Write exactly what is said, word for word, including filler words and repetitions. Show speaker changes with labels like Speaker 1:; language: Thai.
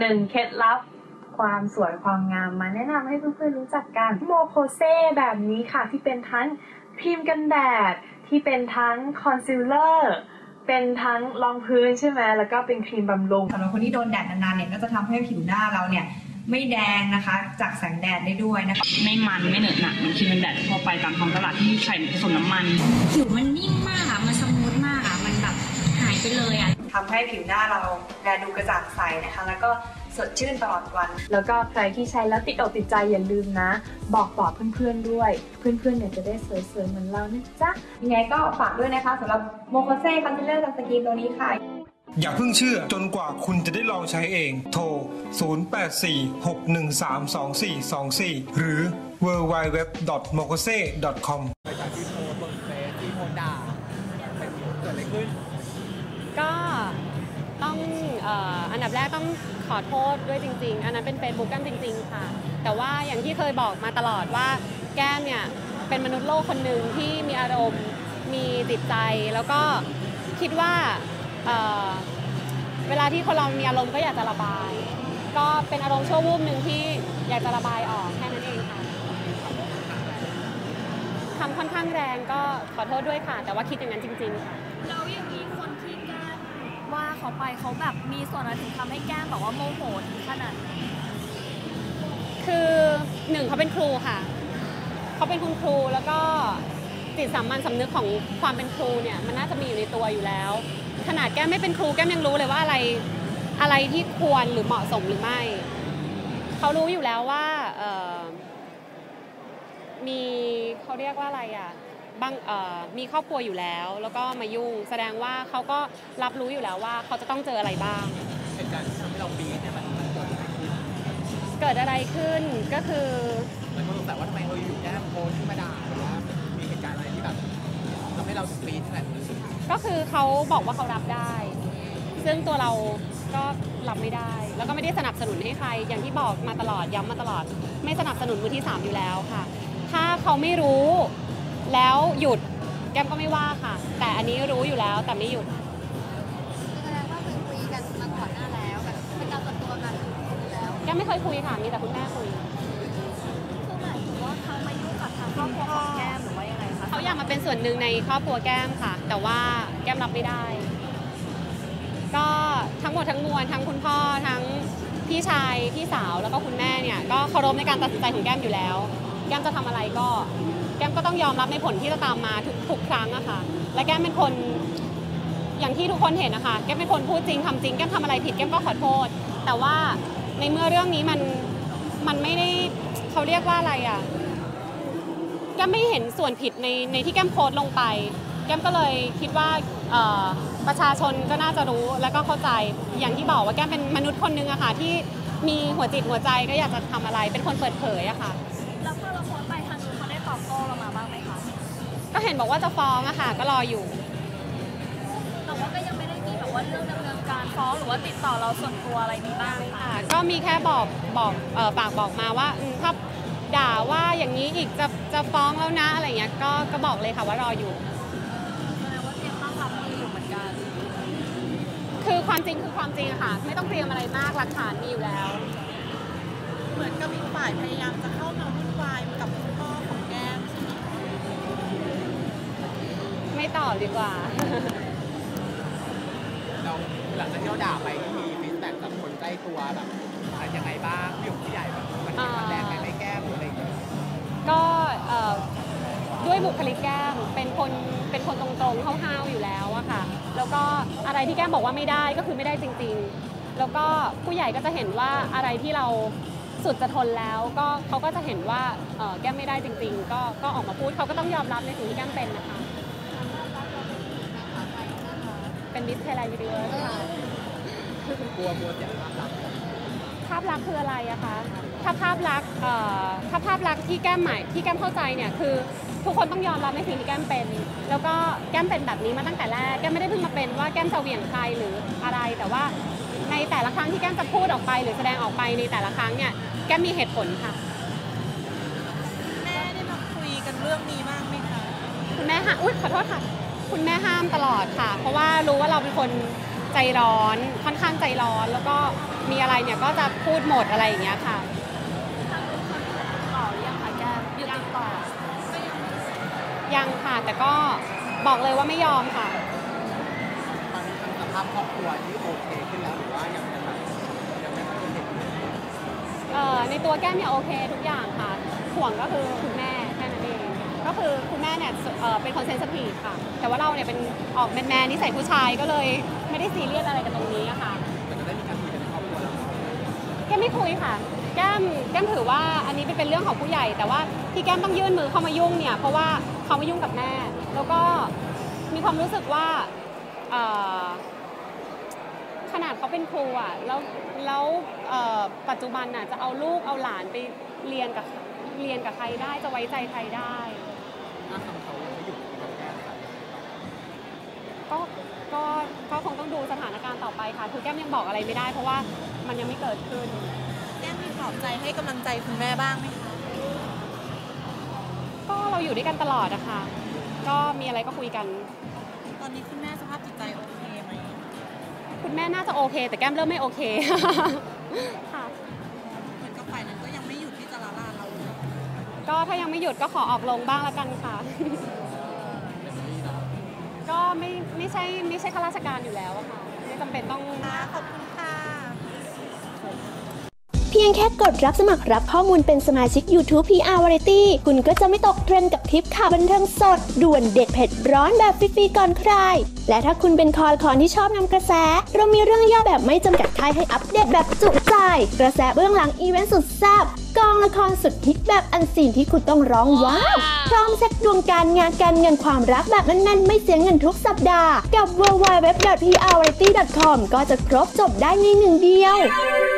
Speaker 1: หนึ่งเคล็ดลับความสวยความงามมาแนะนำให้เพื่อนๆรู้จักกันโมโคเซแบบนี้ค่ะที่เป็นทั้งครีมกันแดดที่เป็นทั้งคอนซีลเลอร์เป็นทั้งรองพื้นใช่ไหมแล้วก็เป็นครีมบำรุง
Speaker 2: สำหรับคนที่โดนแดดนานๆเนี่ยก็จะทำให้ผิวหน้าเราเนี่ยไม่แดงนะคะจากแสงแดดได้ด้วยนะคะ
Speaker 3: ไม่มันไม่เหนอะหนักมันครีมกันแดดทั่วไปตามท้องตลาดที่ใส่ผสมน้ำมัน
Speaker 4: ผิวมันนิ่มมากอ่ะมันสมูทมากอ่ะมันแบบหายไปเลยอ่ะ
Speaker 2: ทำให้ผิวหน้าเราแลดูกระจ่างใสนะคะแล้วก็สดชื่นตลอดวัน
Speaker 1: แล้วก็ใครที่ใช้แล้วติดอกติดใจอย่าลืมนะบอกต่อเพื่อนๆด้วยเพื่อนๆเนี่ยจะได้สวยๆเหมือนเรานะจ๊ะ
Speaker 2: ยังไงก็ฝากด้วยนะคะสำหรับโมโคเซ่คอนซีลเลอร์สกินตัวนี้ค่ะ
Speaker 5: อย่าเพิ่งเชื่อจนกว่าคุณจะได้ลองใช้เองโทรศูนย์ แปด สี่ หก หนึ่ง สาม สอง สี่ สอง สี่ หรือ ดับเบิลยู ดับเบิลยู ดับเบิลยู ดอท โมโคเซ่ ดอท คอม
Speaker 6: หลังจากที่โพสต์บนเฟซที่โพสต์ด่าเป็นเกิดอะไรขึ้น
Speaker 7: ก็ต้องเอ่ออันดับแรกต้องขอโทษด้วยจริงๆอันนั้นเป็น Facebook แก้มจริงๆค่ะแต่ว่าอย่างที่เคยบอกมาตลอดว่าแก้มเนี่ยเป็นมนุษย์โลกคนหนึ่งที่มีอารมณ์มีจิตใจแล้วก็คิดว่าเอ่อเวลาที่คนเรามีอารมณ์ก็อยากจะระบายก็เป็นอารมณ์ชั่ววูบหนึ่งที่อยากจะระบายออกแค่นั้นเองค่ะคำค่อนข้างแรงก็ขอโทษด้วยค่ะแต่ว่าคิดอย่างนั้นจริงๆค่ะ
Speaker 4: แล้วอย่างนี้คนที่แก้มว่าเขาไปเขาแบบมีส่วนอะไรถึงทำให้แก้มแบบว่าโมโหถึงขนาดนั้น
Speaker 7: คือหนึ่งเขาเป็นครูค่ะเขาเป็นคุณครูแล้วก็จิตสามัญสำนึกของความเป็นครูเนี่ยมันน่าจะมีอยู่ในตัวอยู่แล้วขนาดแก้มไม่เป็นครูแก้มยังรู้เลยว่าอะไรอะไรที่ควรหรือเหมาะสมหรือไม่เขารู้อยู่แล้วว่าเอ่อมีเขาเรียกว่าอะไรอ่ะบางเอ่อมีครอบครัวอยู่แล้วแล้วก็มายุ่งแสดงว่าเขาก็รับรู้อยู่แล้วว่าเขาจะต้องเจออะไรบ้าง
Speaker 6: เหตุการณ์ที่ทำให้เราบี๊ดเนี่ยมันเกิดอะไรขึ้น
Speaker 7: เกิดอะไรขึ้นก็คือ
Speaker 6: มันก็สงสัยว่าทำไมเราอยู่แก้มโพสต์ขึ้นมาด่าหรือว่ามีเหตุการณ์อะไรที่แบบทำให้เราบี๊ดขนาดนี้
Speaker 7: ก็คือเขาบอกว่าเขารับได้ซึ่งตัวเราก็รับไม่ได้แล้วก็ไม่ได้สนับสนุนให้ใครอย่างที่บอกมาตลอดย้ำมาตลอดไม่สนับสนุนมือที่สามอยู่แล้วค่ะถ้าเขาไม่รู้แล้วหยุดแก้มก็ไม่ว่าค่ะแต่อันนี้รู้อยู่แล้วแต่ไม่หยุด
Speaker 4: แสดงว่าเคยคุยกันมาก่อนหน้าแล้วแบบเป็นการส่วนตัวกันอยู่แล้ว
Speaker 7: แก้มไม่เคยคุยค่ะมีแต่คุณแม่คุย
Speaker 4: คือหมายถึงว่าเขามายุ่งกับทางครอบครัวของแก้มหรือว่ายังไงคะ
Speaker 7: เขาอยากมาเป็นส่วนหนึ่งในครอบครัวแก้มค่ะแต่ว่าแก้มรับไม่ได้ก็ทั้งหมดทั้งมวลทั้งคุณพ่อทั้งพี่ชายพี่สาวแล้วก็คุณแม่เนี่ยก็เคารพในการตัดสินใจของแก้มอยู่แล้วแก้มจะทำอะไรก็แก้มก็ต้องยอมรับในผลที่จะตามมาทุกทุกครั้งอะค่ะและแก้มเป็นคนอย่างที่ทุกคนเห็นนะคะแก้มเป็นคนพูดจริงทำจริงแก้มทำอะไรผิดแก้มก็ขอโทษแต่ว่าในเมื่อเรื่องนี้มันมันไม่ได้เขาเรียกว่าอะไรอะแก้มไม่เห็นส่วนผิดในในที่แก้มโพสต์ลงไปแก้มก็เลยคิดว่าประชาชนก็น่าจะรู้และก็เข้าใจอย่างที่บอกว่าแก้มเป็นมนุษย์คนนึงอะค่ะที่มีหัวจิตหัวใจก็อยากจะทำอะไรเป็นคนเปิดเผยอะค่ะ
Speaker 4: แล้วพอเราโพสต์ไปทางนู้นเขาได้ตอบโต้เรามาบ้างไหมคะ
Speaker 7: ก็เห็นบอกว่าจะฟ้องอะค่ะก็รออยู่
Speaker 4: แต่ว่าก็ยังไม่ได้มีแบบว่าเรื่องดำเนินการฟ้องหรือว่าติดต่อเราส่วนตัวอะไรมีบ้าง
Speaker 7: ค่ะก็มีแค่บอกบอกฝากบอกมาว่าถ้าด่าว่าอย่างนี้อีกจะจะฟ้องแล้วนะอะไรเงี้ยก็ก็บอกเลยค่ะว่ารออยู่คือความจริงคือความจริงค่ะไม่ต้องเตรียมอะไรมากหลักฐานมีอยู่แล้ว
Speaker 8: เหมือนกับอีกฝ่ายพยายามจะเข้ามาวุ่นวายกับคุณพ่อของแก้ม
Speaker 7: ไม่ตอบดีกว่า
Speaker 6: เราหลังจากที่เราด่าไปมีฟีดแบ็กจากคนใกล้ตัวแบบยังไงบ้างพี่หยกพี่ใหญ่แบบมันมันแรงไปไม่แก้มอะไรอย่างเงี้ย
Speaker 7: ก็ด้วยบุคลิกแก้มเป็นคนเป็นคนตรงๆห้าวๆอยู่แล้วอะค่ะแล้วก็อะไรที่แก้มบอกว่าไม่ได้ก็คือไม่ได้จริงๆแล้วก็ผู้ใหญ่ก็จะเห็นว่าอะไรที่เราสุดจะทนแล้วก็เขาก็จะเห็นว่าแก้มไม่ได้จริงๆก็ก็ออกมาพูดเขาก็ต้องยอมรับในสิ่งที่แก้มเป็นนะคะเป็นมิสไทยแลนด์ยูนิเวิร์สค่ะ
Speaker 6: กลัวกลัวเสียภาพลักษณ์
Speaker 7: ภาพลักษณ์คืออะไรอะคะถ้าภาพลักษณ์ถ้าภาพลักษณ์ที่แก้มหมายที่แก้มเข้าใจเนี่ยคือทุกคนต้องยอมรับในสิ่งที่แก้มเป็นแล้วก็แก้มเป็นแบบนี้มาตั้งแต่แรกแก้มไม่ได้เพิ่งมาเป็นว่าแก้มจะเหวี่ยงใครหรืออะไรแต่ว่าในแต่ละครั้งที่แก้มจะพูดออกไปหรือแสดงออกไปในแต่ละครั้งเนี่ยแก้มมีเหตุผลค่ะ
Speaker 8: แม่ได้มาคุยกันเรื่องนี้บ้างไหมคะ
Speaker 7: คุณแม่ห้ามอุ๊ยขอโทษค่ะคุณแม่ห้ามตลอดค่ะเพราะว่ารู้ว่าเราเป็นคนใจร้อนค่อนข้างใจร้อนแล้วก็มีอะไรเนี่ยก็จะพูดหมดอะไรอย่างเงี้ยค่ะ
Speaker 4: ต่อหรือยังคะแก้มหยุดติดต่อ
Speaker 7: ยังค่ะแต่ก็บอกเลยว่าไม่ยอมค่ะ
Speaker 6: ตอนนี้ทางสภาพครอบครัวที่โอเคขึ้นแล้วหรือว่ายังยังแบบยังไม่ค่อยโอเค
Speaker 7: เอ่อในตัวแก้มเนี่ยโอเคทุกอย่างค่ะห่วงก็คือคุณแม่แค่นั้นเองก็คือคุณแม่เนี่ยเอ่อเป็นคนเซนซิทีฟค่ะแต่ว่าเราเนี่ยเป็นออกแมนแมนนิสัยผู้ชายก็เลยไม่ได้ซีเรียสอะไรกับตรงนี้อะค่ะ
Speaker 6: แต่จะได้มีการคุยกันในครอบครัวแล้ว
Speaker 7: แก้มไม่คุยค่ะแก้มแก้มถือว่าอันนี้เป็นเรื่องของผู้ใหญ่แต่ว่าที่แก้มต้องยื่นมือเข้ามายุ่งเนี่ยเพราะว่าเขามายุ่งกับแม่แล้วก็มีความรู้สึกว่าเอ่อขนาดเขาเป็นครูอ่ะแล้วแล้วปัจจุบันน่ะจะเอาลูกเอาหลานไปเรียนกับเรียนกับใครได้จะไว้ใจใครได้
Speaker 6: ถ้าทำเขายังไม่หยุดการแก้ไข
Speaker 7: ก็ก็ก็คงต้องดูสถานการณ์ต่อไปค่ะคือแก้มยังบอกอะไรไม่ได้เพราะว่ามันยังไม่เกิดขึ้น
Speaker 8: แก้มมีปลอบใจให้กำลังใจคุณแม่บ้างไหมคะ
Speaker 7: ก็เราอยู่ด้วยกันตลอดอะค่ะก็มีอะไรก็คุยกัน
Speaker 8: ตอนนี้คุณแม่สภาพจิตใจโอเคไหม
Speaker 7: คุณแม่น่าจะโอเคแต่แก้มเริ่มไม่โอเค ค่ะ
Speaker 8: เหมือนกับฝ่ายนั้นก็ยังไม่หยุดที่จะละลานเราเลย
Speaker 7: ก็ถ้ายังไม่หยุดก็ขอออกลงบ้างละกันค่ะ ก็ไม่ไม่ใช่ไม่ใช่ข้าราชการอยู่แล้วอะค่ะไม่จำเป็นต้อง
Speaker 8: ขอบคุณค่ะ
Speaker 9: เพียงแค่กดรับสมัครรับข้อมูลเป็นสมาชิก YouTube พี อาร์ Variety คุณก็จะไม่ตกเทรนด์กับคลิปข่าวบันเทิงสดด่วนเด็ดเผ็ดร้อนแบบฟรีๆก่อนใคร และถ้าคุณเป็นคอคอนที่ชอบนำกระแสเรามีเรื่องย่อแบบไม่จำกัดค่ายให้อัปเดตแบบจุใจกระแสเบื้องหลังอีเวนต์สุดแซ่บกองละครสุดฮิตแบบอันซีนที่คุณต้องร้องว้าวพร้อมเช็คดวงการงานการเงินความรักแบบแน่นๆไม่เสียเงินทุกสัปดาห์กับ ดับเบิลยู ดับเบิลยู ดับเบิลยู ดอท พี อาร์ วาไรตี้ ดอท คอม ก็จะครบจบได้ในหนึ่งเดียว